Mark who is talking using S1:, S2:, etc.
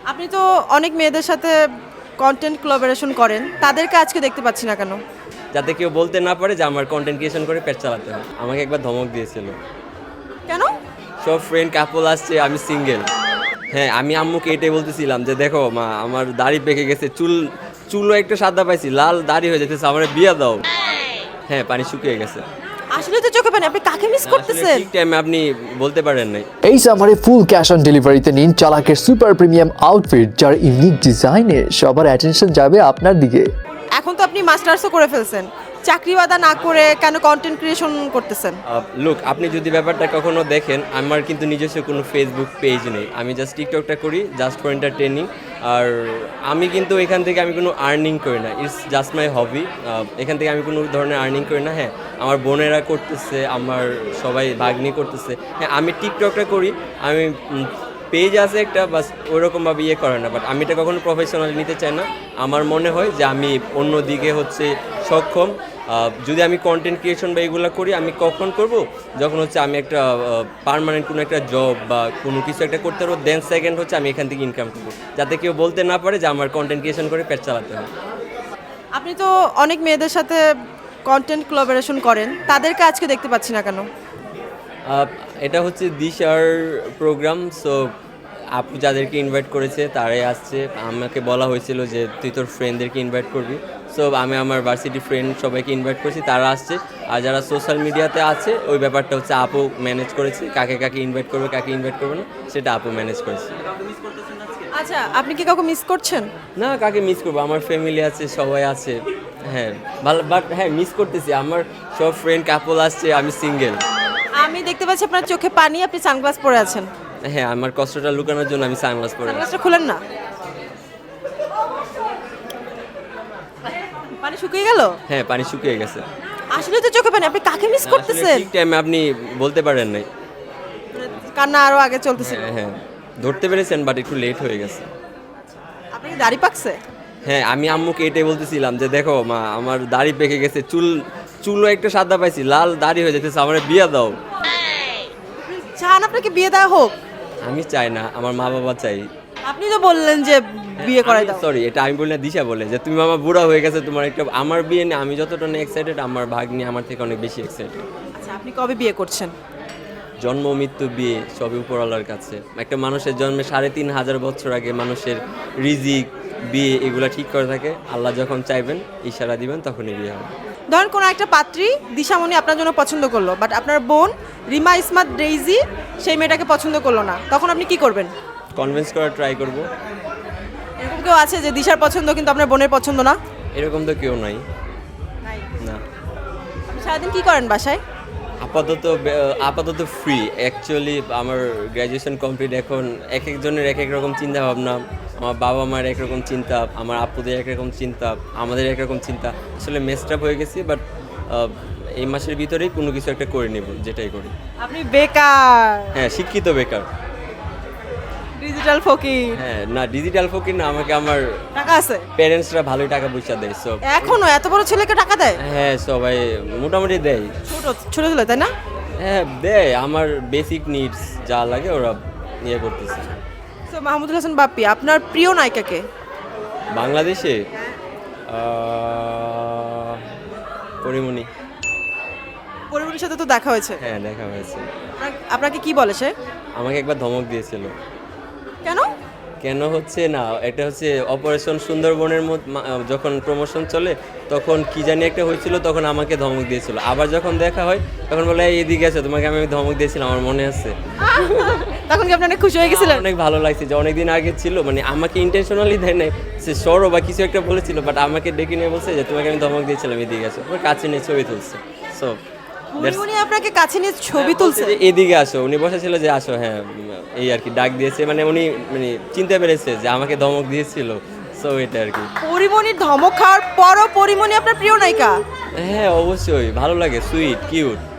S1: আপনি তো অনেক মেয়েদের সাথে কন্টেন্ট কোলাবোরেশন করেন, তাদেরকে আজকে দেখতে পাচ্ছি না কেন?
S2: যাতে কেউ বলতে না পারে যে আমার কন্টেন্ট ক্রিয়েশন করে পেট চালাতে হয়। আমাকে একবার ধমক দিয়েছিল,
S1: কেন?
S2: সব ফ্রেন্ড কাপল আসছে, আমি সিঙ্গেল। হ্যাঁ, আমি আম্মুকে এটাই বলতেছিলাম যে দেখো মা, আমার দাড়ি পেকে গেছে, চুলও একটু সাদা পাইছি, লাল দাড়ি হয়ে যেতেছে, আমার বিয়ে দাও। হ্যাঁ, পানি শুকিয়ে গেছে।
S1: আসলে তো চোখে পানি, আপনি কাকে মিস করতেছেন?
S2: ঠিক টাইমে আপনি বলতে পারেন নাই।
S3: এই সামারে ফুল ক্যাশ অন ডেলিভারিতে নিন চালাকের সুপার প্রিমিয়াম আউটফিট, যার ইউনিক ডিজাইনে সবার অ্যাটেনশন যাবে আপনার দিকে।
S1: এখন তো আপনি মাস্টার্সও করে ফেলছেন, চাকরি বাদা না করে কেন কন্টেন্ট ক্রিয়েশন করতেছেন?
S2: লুক, আপনি যদি ব্যাপারটা কখনো দেখেন, আমার কিন্তু নিজস্ব কোনো ফেসবুক পেজ নেই, আমি জাস্ট টিকটকটা করি জাস্ট ফর এন্টারটেনিং। আর আমি কিন্তু এখান থেকে আমি কোনো আর্নিং করি না, ইটস জাস্ট মাই হবি। এখান থেকে আমি কোনো ধরনের আর্নিং করি না। হ্যাঁ, আমার বোনেরা করতেছে, আমার সবাই ভাগ্নি করতেছে। হ্যাঁ, আমি টিকটকটা করি, আমি পেজ আছে একটা, বাস ওইরকমভাবে ইয়ে করে না, বাট আমি এটা কখনো প্রফেশনালি নিতে চাই না। আমার মনে হয় যে আমি অন্য দিকে হচ্ছে সক্ষম। যদি আমি কন্টেন্ট ক্রিয়েশন বা এগুলো করি, আমি কখন করব, যখন হচ্ছে আমি একটা পার্মানেন্ট কোনো একটা জব বা কোনো কিছু একটা করতে পারবো, দেন সেকেন্ড হচ্ছে আমি এখান থেকে ইনকাম করবো, যাতে কেউ বলতে না পারে যে আমার কন্টেন্ট ক্রিয়েশন করে পেট চালাতে হয়।
S1: আপনি তো অনেক মেয়েদের সাথে কন্টেন্ট কোলাবোরেশন করেন, তাদেরকে আজকে দেখতে পাচ্ছি না কেন?
S2: এটা হচ্ছে দিশার প্রোগ্রাম, সো আপু যাদেরকে ইনভাইট করেছে তারাই আসছে। আমাকে বলা হয়েছিল যে তুই তোর ফ্রেন্ডদেরকে ইনভাইট করবি, সো আমি আমার ভার্সিটি ফ্রেন্ড সবাইকে ইনভাইট করেছি, তারা আসছে। আর যারা সোশ্যাল মিডিয়াতে আছে, ওই ব্যাপারটা হচ্ছে আপু ম্যানেজ করেছে, কাকে কাকে ইনভাইট করবে কাকে ইনভাইট করবে না সেটা আপু ম্যানেজ করেছে।
S1: আচ্ছা, আপনি কি কাউকে মিস করছেন?
S2: না, কাকে মিস করবো, আমার ফ্যামিলি আছে, সবাই আছে। হ্যাঁ, ভালো, বাট হ্যাঁ মিস করতেছি, আমার সব ফ্রেন্ড কাপল আসছে, আমি সিঙ্গেল।
S1: আমি দেখতে পাচ্ছি আপনার চোখে পানি, আপনি সানগ্লাস পরে আছেন।
S2: হ্যাঁ, আমার কষ্টটা লুকানোর জন্য আমি সানগ্লাস পরে আছি।
S1: সানগ্লাসটা খুলেন না, পানি শুকিয়ে গেল।
S2: হ্যাঁ, পানি শুকিয়ে গেছে।
S1: আসলে তো চোখে পানি, আপনি কাকে মিস করতেছেন?
S2: ঠিক টাইমে আপনি বলতে পারেন নাই।
S1: কান্না আরো আগে চলতেছিল।
S2: হ্যাঁ হ্যাঁ, ধরতে পেরেছেন, বাট একটু লেট হয়ে গেছে।
S1: আপনার কি দাড়ি পাকছে?
S2: হ্যাঁ, আমি আম্মুকে এটাই বলতেছিলাম যে দেখো মা, আমার দাড়ি পেকে গেছে, চুলও একটু সাদা পাইছি, লাল দাড়ি হয়ে যেতেছে, আমার বিয়ে দাও।
S1: চান আপনাকে বিয়ে দেওয়া হোক?
S2: আমি চাই না, আমার মা বাবা চাই।
S1: আপনি তো বললেন যে বিয়ে করাই দাও।
S2: সরি, এটা আমি বলি না, দিশা বলে যে তুমি মামা বুড়া হয়ে গেছে, তোমার একটা। আমার বিয়ে নিয়ে আমি যতটা না এক্সাইটেড, আমার ভাগ্নি আমার থেকে অনেক বেশি এক্সাইটেড।
S1: আচ্ছা, আপনি কবে বিয়ে করছেন?
S2: জন্ম মৃত্যু বিয়ে সবই উপরওয়ালার কাছে। একটা মানুষের জন্মে ৩,৫০০ বছর আগে মানুষের রিজিক বিয়ে এগুলা ঠিক করে থাকে। আল্লাহ যখন চাইবেন, ইশারা দিবেন, তখনই বিয়ে হবে।
S1: ধরেন কোনো একটা পাত্রী দিশামণি আপনার জন্য পছন্দ করলো, বাট আপনার বোন রিমা ইসমাত ডেইজি সেই মেয়েটাকে পছন্দ করলো না, তখন আপনি কি করবেন?
S2: কনভিন্স করার ট্রাই করব।
S1: এরকম কেউ আছে যে দিশার পছন্দ কিন্তু আপনার বোনের পছন্দ না?
S2: এরকম তো কেউ নাই। না,
S1: আপনি সারাদিন কি করেন বাসায়?
S2: আপাতত ফ্রি। অ্যাকচুয়ালি আমার গ্র্যাজুয়েশন কমপ্লিট। এখন এক একজনের এক এক রকম চিন্তা ভাবনা। আমার বাবা মার একরকম চিন্তা, আমার আপুদের একরকম চিন্তা, আমাদের একরকম চিন্তা। আসলে মেসড আপ হয়ে গেছি, বাট এই মাসের ভিতরেই কোনো কিছু একটা করে নেব, যেটাই করি।
S1: আপনি বেকার,
S2: হ্যাঁ, শিক্ষিত বেকার।
S1: ডিজিটাল ফকির।
S2: হ্যাঁ, না ডিজিটাল ফকির না, আমাকে আমার
S1: টাকা আছে?
S2: প্যারেন্টসরা ভালোই টাকা পয়সা দেয় সব।
S1: এখনো এত বড় ছেলেকে টাকা দেয়?
S2: হ্যাঁ, সবাই মোটামুটি দেয়।
S1: ছোট ছোট ছেলে, তাই না?
S2: হ্যাঁ, দেয়। আমার বেসিক নিডস যা লাগে ওরা ইয়ে করতেছে।
S1: তো মাহমুদুল হাসান বাপ্পি, আপনার প্রিয় নায়িকাকে?
S2: বাংলাদেশে পরিমণি।
S1: পরিমণির সাথে তো দেখা হয়েছে।
S2: হ্যাঁ, দেখা হয়েছে।
S1: আপনাকে কি বলে সে?
S2: আমাকে একবার ধমক দিয়েছিল।
S1: কেন?
S2: কেন হচ্ছে না, এটা হচ্ছে অপারেশন সুন্দরবনের যখন প্রমোশন চলে, তখন কি জানি একটা হয়েছিল, তখন আমাকে ধমক দিয়েছিল। আবার যখন দেখা হয় তখন বলে এদিকে আছে, তোমাকে আমি ধমক দিয়েছিলাম, আমার মনে আছে।
S1: তখন কি আপনি অনেক খুশি হয়ে গেছিলেন?
S2: অনেক ভালো লাগছে যে অনেকদিন আগে ছিল, মানে আমাকে ইন্টেনশনালি দেয় নাই, সে সরো বা কিছু একটা বলেছিল, বাট আমাকে ডেকে নিয়ে বলছে যে তোমাকে আমি ধমক দিয়েছিলাম, এদিকে আসো, ওর কাছে নিয়ে ছবি তুলছে। সো
S1: উনি আপনাকে কাছে নিয়ে ছবি তুলছে?
S2: এদিকে আসো, উনি বসেছিল যে আসো। হ্যাঁ, এই আর কি ডাক দিয়েছে, মানে উনি মানে চিনতে পেরেছে যে আমাকে ধমক দিয়েছিল। সো এটা আর কি।
S1: পরিমণির ধমক খাওয়ার পরও পরিমণি আপনার প্রিয় নায়িকা?
S2: হ্যাঁ, অবশ্যই ভালো লাগে, সুইট কিউট।